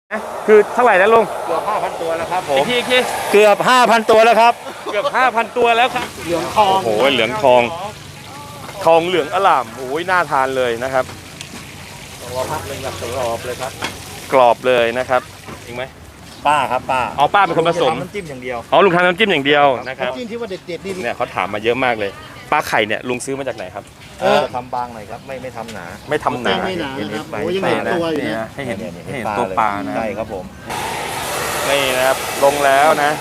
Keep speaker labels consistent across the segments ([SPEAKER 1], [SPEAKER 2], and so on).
[SPEAKER 1] คือเท่าไหร่นะลุง
[SPEAKER 2] เกือบ 5,000 ตัวแล้วครับผม
[SPEAKER 1] อีกที
[SPEAKER 2] เกือบ 5,000 ตัวแล้วครับ
[SPEAKER 1] เกือบ 5,000 ตัวแล้วครับ
[SPEAKER 2] เหลืองทอง
[SPEAKER 1] โอ้โหเหลืองทองเหลืองอล่ามโอ้ยน่าทานเลยนะครับ
[SPEAKER 2] รอพักเลยอยากกรอบเลยครับ
[SPEAKER 1] กรอบเลยนะครับจริงไหม
[SPEAKER 2] ป้าครับป้า
[SPEAKER 1] อ๋อป้าเป็นคนผสม
[SPEAKER 2] น้ำจิ้มอย่างเดียว
[SPEAKER 1] อ๋อลุงทำน้ำจิ้มอย่างเดียวนะครับ
[SPEAKER 2] น้ำจิ้มที่ว่าเด็ดๆนี่
[SPEAKER 1] เนี่ยเขาถามมาเยอะมากเลยปลาไข่เนี่ยลุงซื้อมาจากไหนครับ
[SPEAKER 2] ทำบางหน่อยครับไม่ทำหนา
[SPEAKER 1] ไม่ทำหนา
[SPEAKER 2] ไม่หนาครับโอ้ยังเห็นตัวอยู่นะ
[SPEAKER 1] ให้เห็นตัวปลานะ
[SPEAKER 2] ใช่ครับผม
[SPEAKER 1] นี่นะครับลงแล้วนะ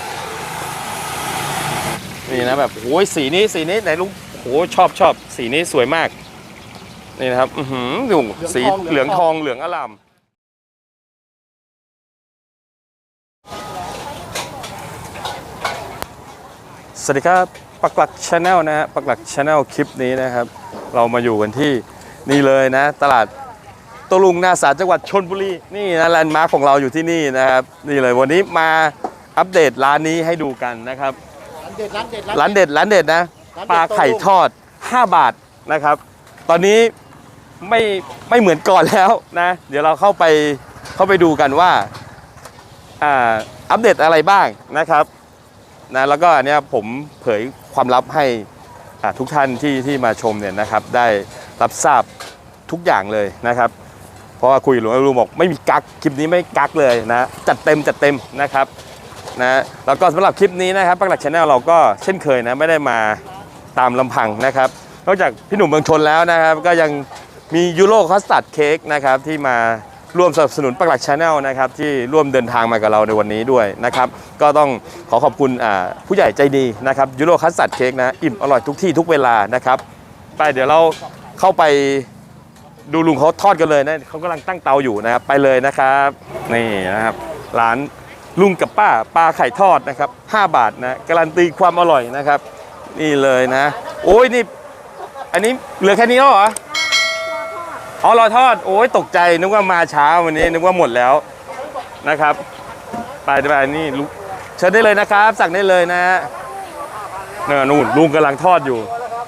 [SPEAKER 1] นี่นะแบบโอ้ยสีนี้ไหนลุงโอ้ชอบสีนี้สวยมากนี่นะครับดูสีเหลืองทองเหลืองอร่ามสวัสดีครับปักหลักชาแนลนะฮะปักหลักชาแนลคลิปนี้นะครับเรามาอยู่กันที่นี่เลยนะตลาดโต้รุ่งหน้าศาลจังหวัดชลบุรีนี่นะแลนด์มาร์คของเราอยู่ที่นี่นะครับนี่เลยวันนี้มาอัปเดตร้านนี้ให้ดูกันนะครับร้านเด็ดนะปลาไข่ทอด5 บาทนะครับตอนนี้ไม่เหมือนก่อนแล้วนะเดี๋ยวเราเข้าไปดูกันว่าอัปเดตอะไรบ้างนะครับนะแล้วก็อันนี้ผมเผยความลับให้ทุกท่านที่มาชมเนี่ยนะครับได้รับทราบทุกอย่างเลยนะครับเพราะว่าคุยกับลุงบอกไม่มีกักคลิปนี้ไม่กักเลยนะจัดเต็มนะครับนะแล้วก็สำหรับคลิปนี้นะครับปักหลักชาแนลเราก็เช่นเคยนะไม่ได้มาตามลำพังนะครับนอกจากพี่หนุ่มเมืองชนแล้วนะครับก็ยังมียูโรคัสตาร์ดเค้กนะครับที่มาร่วมสนับสนุนปักหลักชาแนลนะครับที่ร่วมเดินทางมากับเราในวันนี้ด้วยนะครับก็ต้องขอบคุณผู้ใหญ่ใจดีนะครับยูโรคัสตาร์ดเค้กนะอิ่มอร่อยทุกที่ทุกเวลานะครับไปเดี๋ยวเราเข้าไปดูลุงเขาทอดกันเลยนะเขากำลังตั้งเตาอยู่นะครับไปเลยนะครับนี่นะครับร้านลุงกับป้าปลาไข่ทอดนะครับ5 บาทนะการันตีความอร่อยนะครับนี่เลยนะโอ้ยนี่อันนี้เหลือแค่นี้แล้วเหรออ๋อรอทอดโอ้ยตกใจนึกว่ามาช้าวันนี้นึกว่าหมดแล้วนะครับไปนี่เชิญได้เลยนะครับสั่งได้เลยนะนู่นลุงกำลังทอดอยู่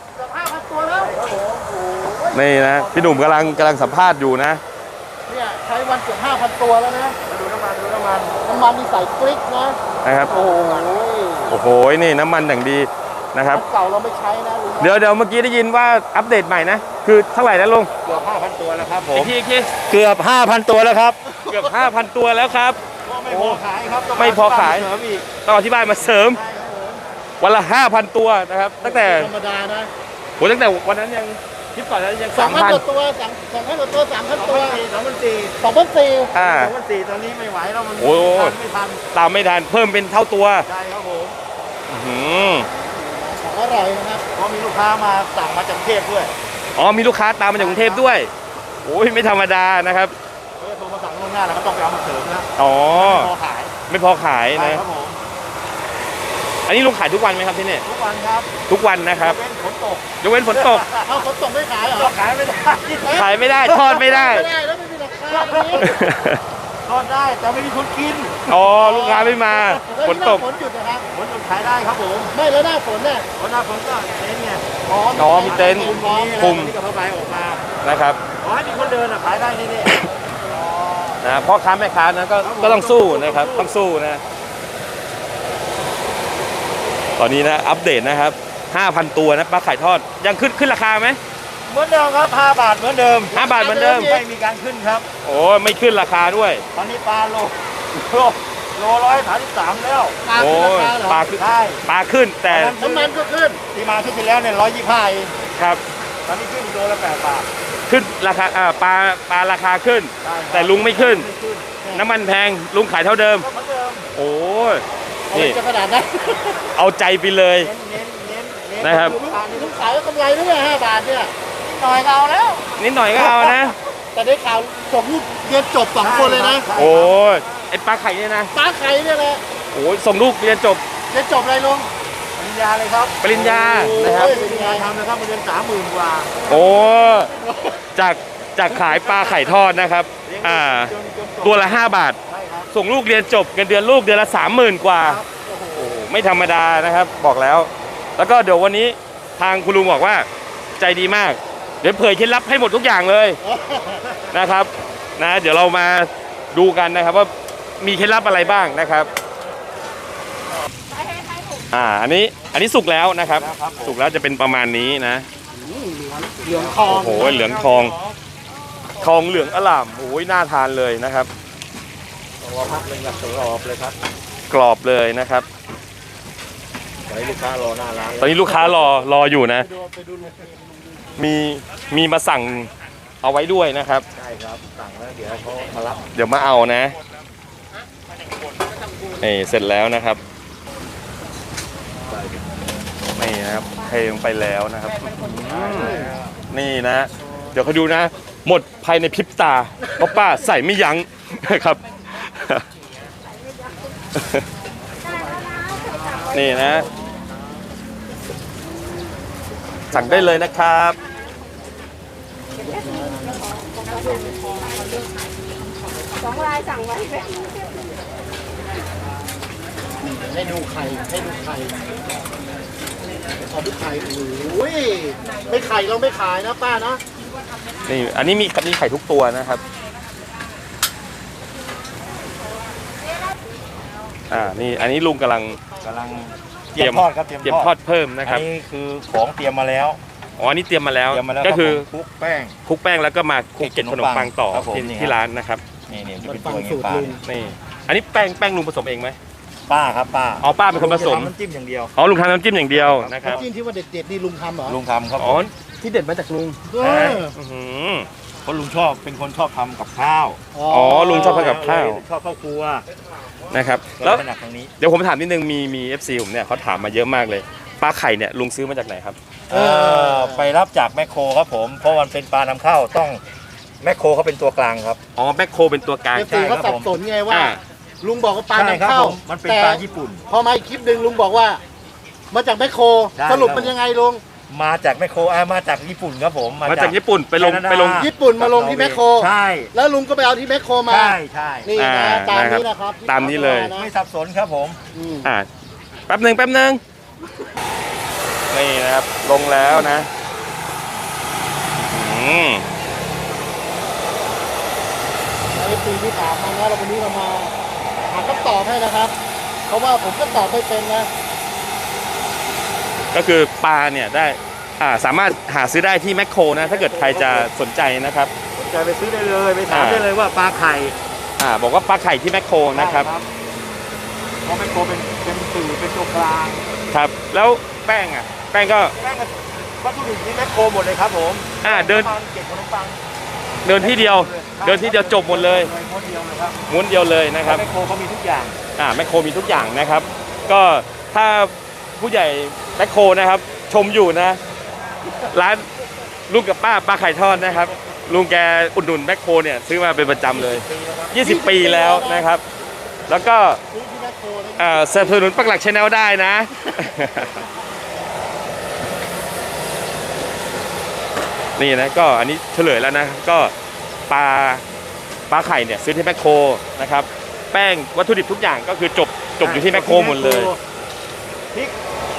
[SPEAKER 1] นี่นะพี่หนุ่มกำลังสัมภาษณ์อยู่นะ
[SPEAKER 2] เนี่ยใช้วันเกือบ 5,000 ตัวแล้วนะดูน้ำมันนี่ใส่กริ๊ก
[SPEAKER 1] นะครับโอ้โหนี่น้ำมันอย่างดีนะครับ
[SPEAKER 2] เก่าเราไม่ใช้นะลุง
[SPEAKER 1] เดี๋ยวเมื่อกี้ได้ยินว่าอัปเดตใหม่นะคือเท่าไหร่นะลุง
[SPEAKER 2] เกือบ 5,000 ตัวแล้วครับผม
[SPEAKER 1] อีกที
[SPEAKER 2] เกือบ 5,000 ตัวแล้วครับ
[SPEAKER 1] เกือบ 5,000 ตัวแล้วครับ
[SPEAKER 2] ไม่พอขายครับ
[SPEAKER 1] ไม่พอขายต้องอธิบายมาเสริมวันละ 5,000 ตัวนะครับตั้งแต่
[SPEAKER 2] ธรรมดานะ
[SPEAKER 1] โหตั้งแต่วันนั้นยังคลิปก่อนนั้นยัง
[SPEAKER 2] 2,000 ตัว2,000 ตัว 3,000 ตัว2,400 2,400ตอนนี้ไม่ไหวแล้วมันไม่ทัน
[SPEAKER 1] ตามไม่ทันเพิ่มเป็นเท่าตัว
[SPEAKER 2] ใช่ครับผมอร่อยนะครับเพราะมีลูกค้ามาสั่งมาจากกรุงเทพด้วย
[SPEAKER 1] อ๋อมีลูกค้าตามมาจากกรุงเทพด้วยโอ้ยไม่ธรรมดานะครับ
[SPEAKER 2] โทรมาสั่งล่วงหน้าแล้วก็ต้องไปเอามาเสริมนะ
[SPEAKER 1] อ๋อ
[SPEAKER 2] ไม่พอขาย
[SPEAKER 1] นะครับผมอันนี้ลุงขายทุกวันไหมครับที่นี่
[SPEAKER 2] ทุกวันครับ
[SPEAKER 1] ทุกวันนะครับ
[SPEAKER 2] ยกเว้นฝนตก
[SPEAKER 1] เอา
[SPEAKER 2] ฝนตกไม่ขายเหรอขายไม่
[SPEAKER 1] ได้ทอดไม่ได้
[SPEAKER 2] แล้วไม่มีราคาทอดได้แต่ไม่มีคนกิน
[SPEAKER 1] อ๋อลูกค้าไม่มาฝนตก
[SPEAKER 2] ฝนหยุดนะครับฝนหยุดขายได้ครับผมไม่แล้วหน้าฝนเนี่ยหน้าฝนก็เต็นท์เนี่ย
[SPEAKER 1] อ๋อมีเต็นท์คุม
[SPEAKER 2] ที่กับผ้าใบออกมา
[SPEAKER 1] นะครับ
[SPEAKER 2] ขอให้มีคนเดินขายได้นี่
[SPEAKER 1] นะพ่อค้าแม่ค้านะก็ต้องสู้นะครับต้องสู้นะตอนนี้นะอัปเดตนะครับ 5,000 ตัวนะปลาไข่ทอดยังขึ้นราคาไหม
[SPEAKER 2] เหมือนเดิมครับ5 บาทเหมือนเดิม
[SPEAKER 1] 5 บาทเหมือนเดิม
[SPEAKER 2] ไม่มีการขึ้นครับ
[SPEAKER 1] โอ้ไม่ขึ้นราคาด้วย
[SPEAKER 2] ตอนนี้ปลาโล133แล้ว
[SPEAKER 1] โอ้ปลาขึ้นแต่
[SPEAKER 2] น้ำมันก็ขึ้นที่มาที่แล้วเนี่ย125เอง
[SPEAKER 1] ครับ
[SPEAKER 2] ตอนนี้ขึ้นโลละ8 บาท
[SPEAKER 1] ขึ้นราคาปลาราคาขึ้นแต่ลุงไม่ขึ้นน้ำมันแพงลุงขายเท่าเดิมโอ้
[SPEAKER 2] นี่จะขนาดนั้น
[SPEAKER 1] เอาใจไปเลยนะครับ
[SPEAKER 2] ลุงขายก็กำไรด้วย5 บาทเนี่ยหน่อยเอาแล้ว
[SPEAKER 1] นิดหน่อยก็เอานะ
[SPEAKER 2] แต่ได้ข่าวส่งลูกเรียนจบ2 คนเลยนะ
[SPEAKER 1] โอ้ยไอปลาไข่เนี่ยนะ
[SPEAKER 2] ปลาไข่เนี่ยแหละ
[SPEAKER 1] โอ้ยส่งลูกเรียนจบ
[SPEAKER 2] อะไรลุงปริญญาเลยครับ
[SPEAKER 1] ปริญญานะครับ
[SPEAKER 2] ปริญญาทำนะครับเรียน30,000 กว่า
[SPEAKER 1] โอ้จากขายปลาไข่ทอดนะครับตัวละ5 บาทส่งลูกเรียนจบเงินเดือนลูกเดือนละ30,000 กว่าโอ้ไม่ธรรมดานะครับบอกแล้วก็เดี๋ยววันนี้ทางคุณลุงบอกว่าใจดีมากเดี๋ยวเผยเคล็ดลับให้หมดทุกอย่างเลยนะครับนะเดี๋ยวเรามาดูกันนะครับว่ามีเคล็ดลับอะไรบ้างนะครับอันนี้สุกแล้วนะครับสุกแล้วจะเป็นประมาณนี้นะ
[SPEAKER 2] เหลืองทอง
[SPEAKER 1] โอ้โหเหลืองทองเหลืองอล่ามโอ้ยน่าทานเลยนะครับ
[SPEAKER 2] รอพักเลยครับกรอบเลยครับ
[SPEAKER 1] กรอบเลยนะครับ
[SPEAKER 2] ตอนนี้ลูกค้ารอหน้าร้าน
[SPEAKER 1] ตอนนี้ลูกค้ารออยู่นะ
[SPEAKER 2] ไปดู
[SPEAKER 1] มีมาสั่งเอาไว้ด้วยนะครับ
[SPEAKER 2] ใช่ครับสั่งแล้วเดี๋ยวเขามารับ
[SPEAKER 1] เดี๋ยวมาเอานะนี่เสร็จแล้วนะครับนี่นะครับเทลงไปแล้วนะครับนี่นะ เดี๋ยวเขาดูนะ หมดภายในพริบตาเพราะป้าใส่ไม่ยั้งนะครับ นี่นะ สั่งได้เลยนะครับ
[SPEAKER 3] 2 ลายสั่งไว้แบบ
[SPEAKER 2] ให้ดูไข่ขอดูไข่โอ้ยไม่ไข่เราไม่ขายนะป้านะ
[SPEAKER 1] นี่อันนี้มีไข่ทุกตัวนะครับนี่อันนี้ลุงกำลัง
[SPEAKER 2] เตรียมทอดครับ
[SPEAKER 1] เตรียมทอดเพิ่มนะครับ
[SPEAKER 2] อันนี้คือของเตรียมมาแล้ว
[SPEAKER 1] อ๋ออันนี้เตรียมมาแล้วก็คือ
[SPEAKER 2] คลุกแป้ง
[SPEAKER 1] คลุกแป้งแล้วก็มาคลุกเกล็ดขนมปังต่อ
[SPEAKER 2] ครับผม
[SPEAKER 1] ที่ร้านนะครับ
[SPEAKER 2] นี่จะเป็นตัวอย่างนี้ป้า
[SPEAKER 1] นี่อันนี้แป้งลุงผสมเองไหม
[SPEAKER 2] ป้าครับป้า
[SPEAKER 1] อ๋อป้าเป็นคนผสม
[SPEAKER 2] น้ำจิ้มอย่างเดียว
[SPEAKER 1] อ๋อลุงทำน้ำจิ้มอย่างเดียวนะครับ
[SPEAKER 2] น้ำจิ้มที่ว่าเด็ดๆนี่ลุงทำเหรอลุงทำครับ
[SPEAKER 1] อ๋อที่เด็ดมาจากลุง อื้อหือ
[SPEAKER 2] เพราะลุงเป็นคนชอบทำกับข้าว
[SPEAKER 1] อ๋อลุงชอบทำกับข้าว
[SPEAKER 2] ชอบข้าวครัว
[SPEAKER 1] นะครับ
[SPEAKER 2] แล้
[SPEAKER 1] แล้ว ว
[SPEAKER 2] ถนัดทางนี้
[SPEAKER 1] เดี๋ยวผมถามนิดนึงมี FC ผมเนี่ยเขาถามมาเยอะมากเลยปลาไข่เนี่ยลุงซื้อมาจากไหนครับ
[SPEAKER 2] ไปรับจากแมคโครครับผม เพราะมันเป็นปลานำเข้าต้องแมคโครเขาเป็นตัวกลางครับ
[SPEAKER 1] อ๋อแมคโครเป็นตัวกลาง
[SPEAKER 2] เอฟซีเขาสับสนไงว่า
[SPEAKER 1] อ่า
[SPEAKER 2] ลุงบอกว่าปลานำเข้ามันเป็นปลาญี่ปุ่น พอมาอีกคลิปหนึ่งลุงบอกว่า มาจากแมคโคร สรุปมันยังไงลุง มาจากแมคโครมาจากญี่ปุ่นครับผม
[SPEAKER 1] มาจากญี่ปุ่นไปลง
[SPEAKER 2] ญี่ปุ่นมาลงที่แมคโครใช่แล้วลุงก็ไปเอาที่แมคโครมาใช่นี่นะตามนี้นะครับ
[SPEAKER 1] ตามนี้เลย
[SPEAKER 2] ไม่สับสนครับผม
[SPEAKER 1] แป๊บหนึ่งนี่นะครับลงแล้วนะ
[SPEAKER 2] เอฟซีที่ถามมานะเราวันนี้เรามาหาคำตอบให้นะครับ เพราะว่าผมก็ตอบไม่เป็นนะ
[SPEAKER 1] ก็คือปลาเนี่ยได้สามารถหาซื้อได้ที่แมคโครนะถ้าเกิดใครจะสนใจนะครับ
[SPEAKER 2] สนใจไปซื้อได้เลยไปถามได้เลยว่าปลาไข่
[SPEAKER 1] บอกว่าปลาไข่ที่แมคโครนะครับ
[SPEAKER 2] เพราะแมคโครเป็นสื่อเป็นตัวกลาง
[SPEAKER 1] ครับแล้วแป้งก็
[SPEAKER 2] วัตถุดิบนี่แมคโครหมดเลยครับผม
[SPEAKER 1] เดิน
[SPEAKER 2] เก็บขนมปัง
[SPEAKER 1] เดินที่เดียวจบหมดเลย
[SPEAKER 2] ม้วนเดียวเลยครับ
[SPEAKER 1] ม้วนเดียวเลยนะครับ
[SPEAKER 2] แมคโครเขามีทุกอย่าง
[SPEAKER 1] แมคโครมีทุกอย่างนะครับ ก็ถ้าผู้ใหญ่แมคโครนะครับ ชมอยู่นะ ร้านลุงกับป้าไข่ทอดนะครับ ลุงแกอุดหนุนแมคโครเนี่ยซื้อมาเป็นประจำเลย 20 ปีแล้วนะครับ แล้วก็สนับสนุนปักหลักชาแนลได้นะ นี่นะก็อันนี้เฉลยแล้วนะก็ปลาไข่เนี่ยซื้อที่แมคโครนะครับแป้งวัตถุดิบทุกอย่างก็คือจบอยู่ที่แมคโครหมดเลย
[SPEAKER 2] พริก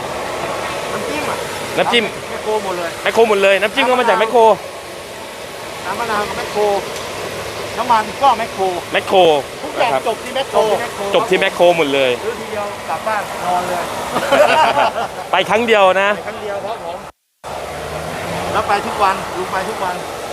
[SPEAKER 1] น้ำจิ้ม
[SPEAKER 2] แมคโครหมดเลย
[SPEAKER 1] แมคโครหมดเลยน้ำจิ้มก็มาจากแมคโคร
[SPEAKER 2] น้ำมะนาวก็แมคโครน้ำมันก็แมคโคร ทุกอย่าง
[SPEAKER 1] นะครับ
[SPEAKER 2] จบที่แมคโคร
[SPEAKER 1] จบที่แมคโครหมดเลย
[SPEAKER 2] ซื้อทีเดียวกลับบ้านนอนเลย
[SPEAKER 1] ไปครั้งเดียวนะ
[SPEAKER 2] ครั้งเดียวครับผมแล้วไปทุกวันลุงไปทุกวัน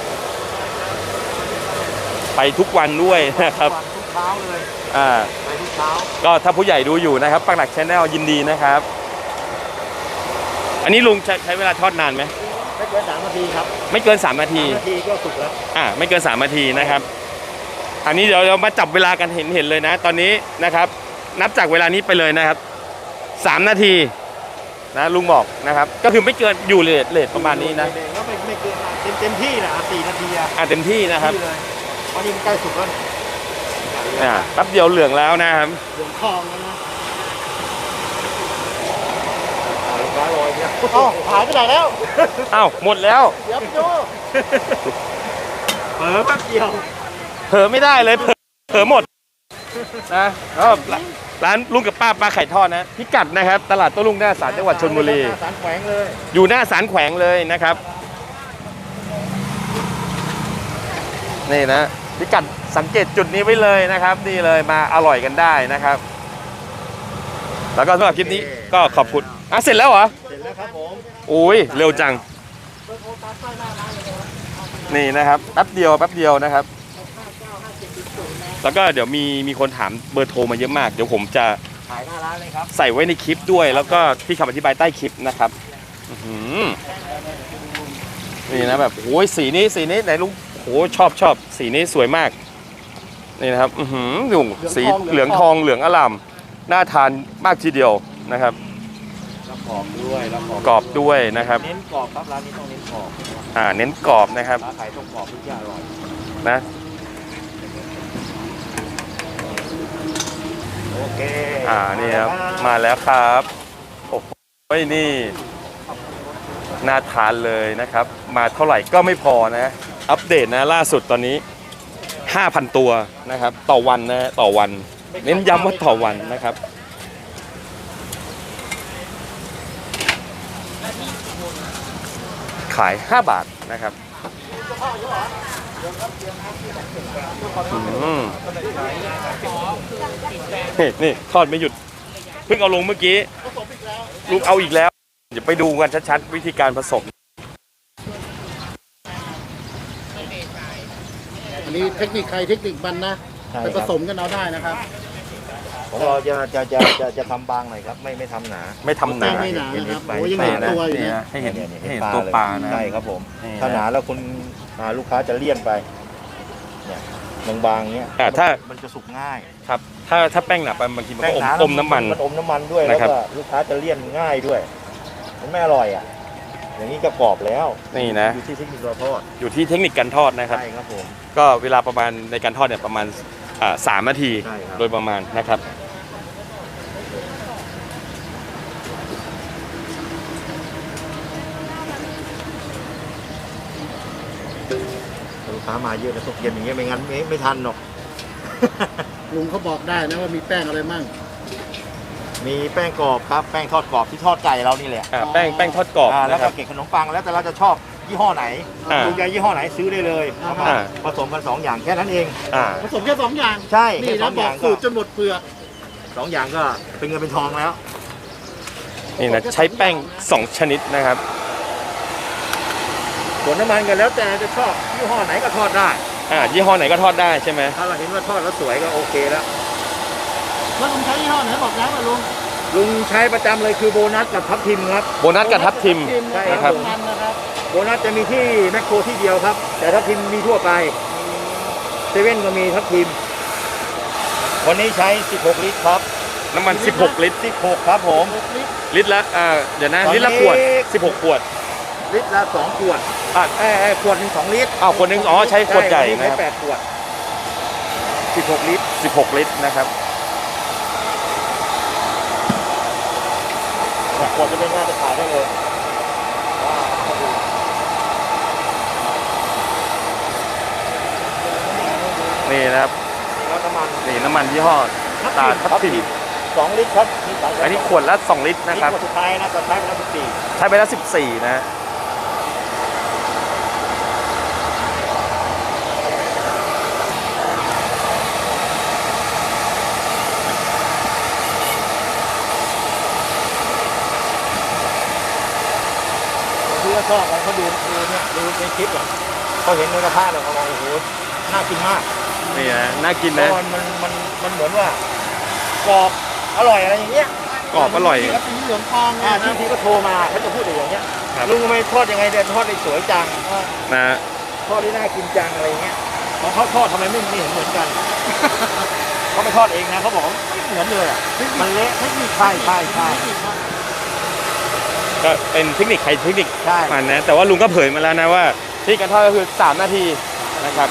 [SPEAKER 1] ไปทุกวันด้วยนะครับ
[SPEAKER 2] ทุกเช้าเลย ไปทุกเช้า
[SPEAKER 1] ก็ถ้าผู้ใหญ่ดูอยู่นะครับปักหลักชาแนลยินดีนะครับ อันนี้ลุงใช้เวลาทอดนานไหม
[SPEAKER 2] ไม่เกิน3 นาทีครับ
[SPEAKER 1] ไม่เกิน3 นาที
[SPEAKER 2] 3 นาทีก็สุกแล้ว
[SPEAKER 1] ไม่เกิน3 นาทีนะครับ อันนี้เดี๋ยวเรามาจับเวลากันเห็นเลยนะ ตอนนี้นะครับ นับจากเวลานี้ไปเลยนะครับ3 นาทีนะลุงบอกนะครับ ก็คือไม่เกินอยู่เลทประมาณนี้นะ
[SPEAKER 2] ก็ไม่เกินเต็มที่นะ4 นาที
[SPEAKER 1] เต็มที่นะครับ
[SPEAKER 2] เลยตอนนี้มันใกล้สุกแล้ว
[SPEAKER 1] แป๊บเดียวเหลืองแล้วนะครับ
[SPEAKER 2] เหลืองทองแล้วนะหายไปไหนแล้ว
[SPEAKER 1] หมดแล้ว
[SPEAKER 2] เดี๋ยวไปดูเผลอแป๊บเดียว
[SPEAKER 1] เผลอไม่ได้เลยเผลอหมดนะก็ร้านลุงกับป้าไข่ทอดนะพิกัดนะครับตลาดโต้รุ่งหน้าศาลจังหวัดชลบุรี
[SPEAKER 2] ศาลแขวงเลย
[SPEAKER 1] อยู่หน้าศาลแขวงเลยนะครับนี่นะพิกัดสังเกตจุดนี้ไว้เลยนะครับนี่เลยมาอร่อยกันได้นะครับ แล้วก็สำหรับคลิปนี้ก็ขอบคุณเสร็จแล้วเหรอ
[SPEAKER 2] เสร็จแล้วครับผม
[SPEAKER 1] โอ้ยเร็วจังนี่นะครับแป๊บเดียวนะครับ แล้วก็เดี๋ยวมีคนถามเบอร์โทรมาเยอะมากเดี๋ยวผมจะ
[SPEAKER 2] ขายหน้าร้านเลยครับ
[SPEAKER 1] ใส่ไว้ในคลิปด้วย แล้วก็ที่คำอธิบายใต้คลิปนะครับอื้อหือนี่นะแบบโอ้ยสีนี้ไหนลุงโอ้ชอบสีนี้สวยมากนี่นะครับอื้อหือลุงสีเหลืองทองเหลืองอร่ามน่าทานมากทีเดียวนะครับ
[SPEAKER 2] แล้วกรอบด้วยแล้ว
[SPEAKER 1] กรอบด้วยนะครับ
[SPEAKER 2] เน้นกรอบครับร้านนี้ต้องเน้นกรอบ
[SPEAKER 1] เน้นกรอบนะครับ
[SPEAKER 2] ร้านขายต้องกรอบทุกอย่างอร่อย
[SPEAKER 1] นะ
[SPEAKER 2] โอเค
[SPEAKER 1] นี่ครับมาแล้วครับโอ้โหนี่น่าทานเลยนะครับ มาเท่าไหร่ก็ไม่พอนะ อัปเดตนะล่าสุดตอนนี้ 5,000 ตัวนะครับต่อวันนะต่อวัน เน้นย้ำว่าต่อวันนะครับ ขาย 5 บาทนะครับนี่ทอดไม่หยุดเพิ่งเอาลงเมื่อกี้ลูกเอาอีกแล้วเดี๋ยวไปดูกันชัดๆวิธีการผสม
[SPEAKER 2] อันนี้เทคนิคใครเทคนิคมันนะไปผสมกันเอาได้นะครับของเราจะทำบางหน่อยครับไม่ทำหนา
[SPEAKER 1] ไม่ทำหนา
[SPEAKER 2] ไม่หนานะครับโอ้ยัง
[SPEAKER 1] นี่
[SPEAKER 2] เห็น
[SPEAKER 1] นะ
[SPEAKER 2] ตัวอยู่
[SPEAKER 1] นี่
[SPEAKER 2] นะ
[SPEAKER 1] นะให้เห็นตัวปลานะ
[SPEAKER 2] ใช่ครับผม
[SPEAKER 1] นี่นะ
[SPEAKER 2] ถ้าหนาแล้วคุณลูกค้าจะเลี่ยนไปเนี่ยบางๆเนี้ย
[SPEAKER 1] ถ้า
[SPEAKER 2] มันจะสุกง่าย
[SPEAKER 1] ครับถ้าแป้งหนาไปบางทีมันก็อมน้ำมัน
[SPEAKER 2] มันอมน้ำมันด้วย
[SPEAKER 1] นะ
[SPEAKER 2] แล้ว
[SPEAKER 1] ครับ
[SPEAKER 2] ก็ลูกค้าจะเลี่ยนง่ายด้วย มันไม่อร่อยอ่ะอย่างนี้ก็กรอบแล้ว
[SPEAKER 1] นี่นะ
[SPEAKER 2] อยู่ที่เทคนิคเราทอด
[SPEAKER 1] อยู่ที่เทคนิคการทอดนะครับ
[SPEAKER 2] ใช่ครับผม
[SPEAKER 1] ก็เวลาประมาณในการทอดเนี่ยประมาณ3 นาที
[SPEAKER 2] ใช่ครับ
[SPEAKER 1] โดยประมาณนะครับ
[SPEAKER 2] ลูกค้ามาเยอะนะตกเย็นอย่างเงี้ยไม่งั้นไม่ทันหรอก
[SPEAKER 4] ลุงเขาบอกได้นะว่ามีแป้งอะไรมั่ง
[SPEAKER 2] มีแป้งกรอบครับแป้งทอดกรอบที่ทอดไก่เรานี่แหละ
[SPEAKER 1] แป้งทอดกรอบ
[SPEAKER 2] แล้ว
[SPEAKER 1] นะค
[SPEAKER 2] ก็
[SPEAKER 1] รับ
[SPEAKER 2] เกล็ดขนมปังแล้วแต่เราจะชอบยี่ห้อไหน ลูกใหญ่ยี่ห้อไหนซื้อได้เลยเอามา
[SPEAKER 1] อ่า
[SPEAKER 2] ผสมกัน2อย่างแค่นั้นเอง
[SPEAKER 1] อ่า
[SPEAKER 4] ผสมแค่สองอย่าง
[SPEAKER 2] ใช่
[SPEAKER 4] นี่
[SPEAKER 2] แค่ส
[SPEAKER 4] นะ
[SPEAKER 2] อง
[SPEAKER 4] บ
[SPEAKER 2] อ
[SPEAKER 4] อก
[SPEAKER 2] ย่าง
[SPEAKER 4] สูตรจนหมดเปลือก
[SPEAKER 2] 2อย่างก็เป็นเงินเป็นทองแล้ว
[SPEAKER 1] นี่นะใช้แป้ง2 ชนิดนะครับ
[SPEAKER 2] ส่วนน้ำมันกันแล้วแต่จะชอบยี่ห้อไหนก็ทอดได้
[SPEAKER 1] ยี่ห้อไหนก็ทอดได้ใช่ไหม
[SPEAKER 2] ถ้าเราเห็นว่าทอดแล้วสวยก็โอเคแล้ว
[SPEAKER 4] แล้วลุงใช้ยี่ห้อไหนบอกแล้วว่าลุง
[SPEAKER 2] ลุงใช้ประจำเลยคือโบนัสกับทับทิมครับ
[SPEAKER 1] โบนัสกับทับทิม
[SPEAKER 2] ใช่
[SPEAKER 1] นะครับ
[SPEAKER 4] มันนะครับ
[SPEAKER 2] โบนัสจะมีที่แมคโครที่เดียวครับ แต่ทับทิมมีทั่วไปเซเว่นก็มีทับทิมวันนี้ใช้16 ลิตรครับ
[SPEAKER 1] น้ำมัน 16 ลิตร
[SPEAKER 2] 16ครับผม
[SPEAKER 1] ลิตรละเดี๋ยวนะ
[SPEAKER 2] ตอนนี้
[SPEAKER 1] ลิตรละขวด 16 ขวด
[SPEAKER 2] ลิตรละ2 ขวดขวดหนึ่ง2 ลิตร
[SPEAKER 1] ขวดหนึ่งใช้ขวดใหญ่
[SPEAKER 2] ช่
[SPEAKER 1] นะครับ
[SPEAKER 2] ใช้8 ขวด 16 ลิตร
[SPEAKER 1] 16 ลิตรนะครับ
[SPEAKER 2] ขวดจะเป็นง่ายจะขายได้เลย
[SPEAKER 1] นี่นะครับ
[SPEAKER 2] แล้วน้ำมัน
[SPEAKER 1] นี่น้ำมันยี่ห้อตาทับทิม
[SPEAKER 2] 2 ลิตรครับนี่สาย
[SPEAKER 1] อันนี้ขวดละ2 ลิตรนะครับ
[SPEAKER 2] ขวดสุดท้ายนะตอนท้ายเป็นละ14
[SPEAKER 1] ใช้ไปแล้ว14 นะ
[SPEAKER 2] ที่เขาชอบเขาดูเนี่ยดูในคลิปอ่ะเขาเห็นในกระทะเลยเขาบอกโอ้โหน่ากินมาก
[SPEAKER 1] นี่นะน่ากิน
[SPEAKER 2] เพ
[SPEAKER 1] นะ
[SPEAKER 2] ราะมันเหมือนว่ากรอบอร่อยอะไรอย่างเงี้ย
[SPEAKER 1] กรอบอร่อย
[SPEAKER 4] แล้วสีเหลืองทอง
[SPEAKER 2] ที่ก็โทรมาเขาจะพูดอย่างเงี้ย
[SPEAKER 1] ครับ
[SPEAKER 2] ลุงทำไมทอดยังไงเดี๋ยวทอดได้สวยจัง
[SPEAKER 1] นะ
[SPEAKER 2] ทอดได้น่ากินจังอะไรเงี้ยของเขาทอดทำไมไม่เห็นเหมือนกัน เขาไม่ทอดเองนะเขาบอกว่าไม่เหมือนเลยอ่ะมันเละใช่ใช่
[SPEAKER 1] ก็เป็นเทคนิคใครเทคนิค
[SPEAKER 2] ใช่
[SPEAKER 1] มันนะ แต่ว่าลุงก็เผยมาแล้วนะว่าที่การทอดก็คือ3 นาทีนะครับ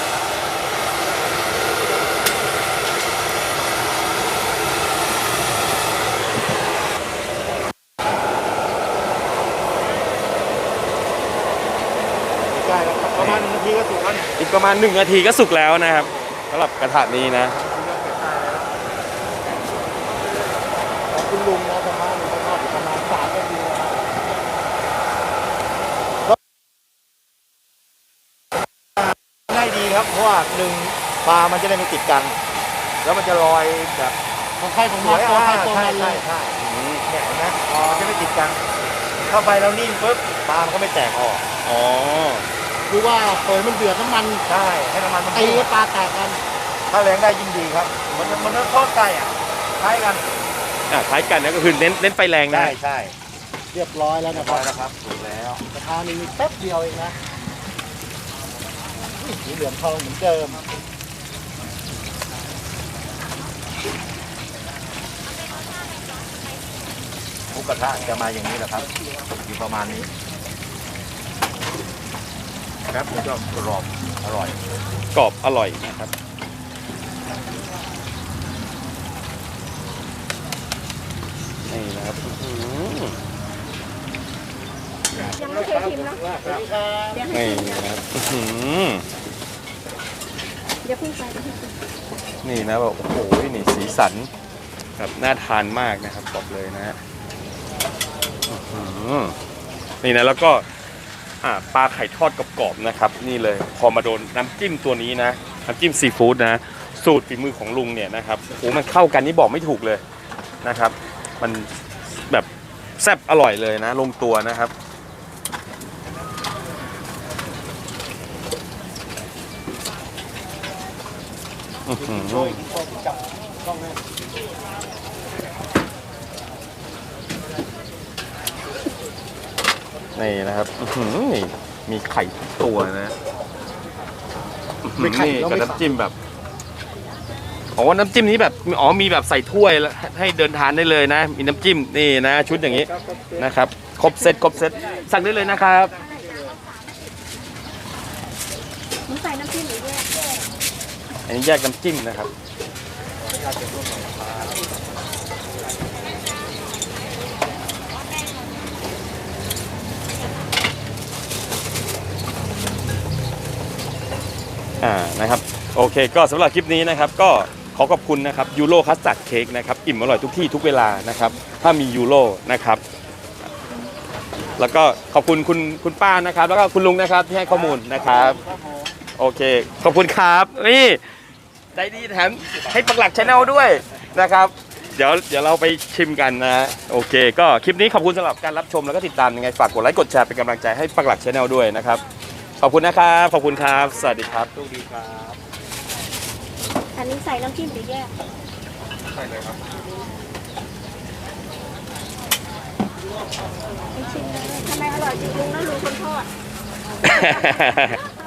[SPEAKER 2] ใช่ครับประมาณ1 นาทีก็สุกแล้วเนี่ย
[SPEAKER 1] อีกประมาณ1 นาทีก็สุกแล้วนะครับสำหรับกระทะนี้นะ
[SPEAKER 2] ขอบคุณลุงนะประมาณลุงทอดอยู่ประมาณ3 นาทีนะครับได้ดีครับเพราะว่า1 ปลามันจะได้ไม่ติดกัน แล้วมันจะลอยแบบ
[SPEAKER 4] ของใครของ
[SPEAKER 2] ส
[SPEAKER 4] มั
[SPEAKER 2] วน ย
[SPEAKER 4] ตัวใคร
[SPEAKER 2] อ่า
[SPEAKER 4] ตัว
[SPEAKER 2] ใช่
[SPEAKER 4] มันเล
[SPEAKER 2] ใช่
[SPEAKER 4] ย
[SPEAKER 2] ใช่เนี่ยเห็นไหมมันจะไม่ติดกันเข้าไปแล้วนิ่งปุ๊บปลามันก็ไม่แตกออก
[SPEAKER 1] อ๋อ
[SPEAKER 4] หรือว่าเปิดมันเดือดน้ำมัน
[SPEAKER 2] ใช่ให้น้ำมันมัน
[SPEAKER 4] ตี
[SPEAKER 2] พุ่ง
[SPEAKER 4] ให้ปลาแตกกัน
[SPEAKER 2] ถ้าแรงได้ยิ่งดีครับมันทอดไก่อ่ะคล้ายกัน
[SPEAKER 1] คล้ายกันนะก็คือเน้นไฟแรงนะ
[SPEAKER 2] ใช่ใช่
[SPEAKER 4] เรียบร้อยแล้ว
[SPEAKER 2] เรีย
[SPEAKER 4] นะ
[SPEAKER 2] บ
[SPEAKER 4] ค
[SPEAKER 2] ร้
[SPEAKER 4] รั
[SPEAKER 2] อบ ยแล้วครับถูกแล้ว
[SPEAKER 4] กระทะนี่มีแป๊บเดียวเองนะสีเหลืองทองเหมือนเดิม
[SPEAKER 2] หมูกระทะจะมาอย่างนี้แหละครับอยู่ประมาณนี้ครับมันก็กรอบอร่อย
[SPEAKER 1] กรอบอร่อยนะครับ นี่นะครับอื้อหือ
[SPEAKER 3] ยังไม่เคยชิมเนาะ
[SPEAKER 4] สวัสดีครับ
[SPEAKER 3] เดี๋ยวให้
[SPEAKER 1] นี่
[SPEAKER 3] ชิม
[SPEAKER 1] นะครับอื้อหือ
[SPEAKER 3] เดี๋ยวเพิ่งไปเดี๋ยวเพิ่งไป
[SPEAKER 1] นี่นะแบบโอ้โหนี่สีสันแบบน่าทานมากนะครับบอกเลยนะฮะอื้อหือนี่นะแล้วก็ปลาไข่ทอดกรอบๆนะครับ นี่เลยพอมาโดนน้ำจิ้มตัวนี้นะน้ำจิ้มซีฟู้ดนะสูตรฝีมือของลุงเนี่ยนะครับโอ้โหมันเข้ากันนี่บอกไม่ถูกเลยนะครับ มันแบบแซ่บอร่อยเลยนะลงตัวนะครับ อื้อหือ
[SPEAKER 4] จับกล้องให้
[SPEAKER 1] นี่นะครับอื้อหือนี่มีไข่ทุกตัวนะอื้อหือนี่กับน้ำจิ้มแบบอ๋อน้ำจิ้มนี้แบบมีแบบใส่ถ้วยแล้วให้เดินทานได้เลยนะ มีน้ำจิ้มนี่นะชุดอย่างนี้นะครับครบเซตสั่งได้เลยนะครับ
[SPEAKER 3] หนูใส่น้ำจิ้มหรือแยก
[SPEAKER 1] อันนี้แยกน้ำจิ้มนะครับนะครับโอเคก็สำหรับคลิปนี้นะครับก็ขอขอบคุณนะครับยูโรคัสตาร์ดเค้กนะครับอิ่มอร่อยทุกที่ทุกเวลานะครับถ้ามียูโรนะครับแล้วก็ขอบคุณคุณป้านะครับแล้วก็คุณลุงนะครับที่ให้ข้อมูลนะครับโอเคขอบคุณครับนี่ใจดีแถมให้ปักหลักชาแนลด้วยนะครับเดี๋ยวเราไปชิมกันนะโอเคก็คลิปนี้ขอบคุณสำหรับการรับชมแล้วก็ติดตามยังไงฝากกดไลค์กดแชร์เป็นกำลังใจให้ปักหลักชาแนลด้วยนะครับขอบคุณนะครับขอบคุณครับสวัสดีครับ
[SPEAKER 2] โชคดีครับ
[SPEAKER 3] อันนี้ใส่น้ำจิ้มหรือแยก
[SPEAKER 2] ใช่เลยครับ
[SPEAKER 3] ไม่ชิมเลยทำไมอร่อยจริงลุงนะลุงคนทอด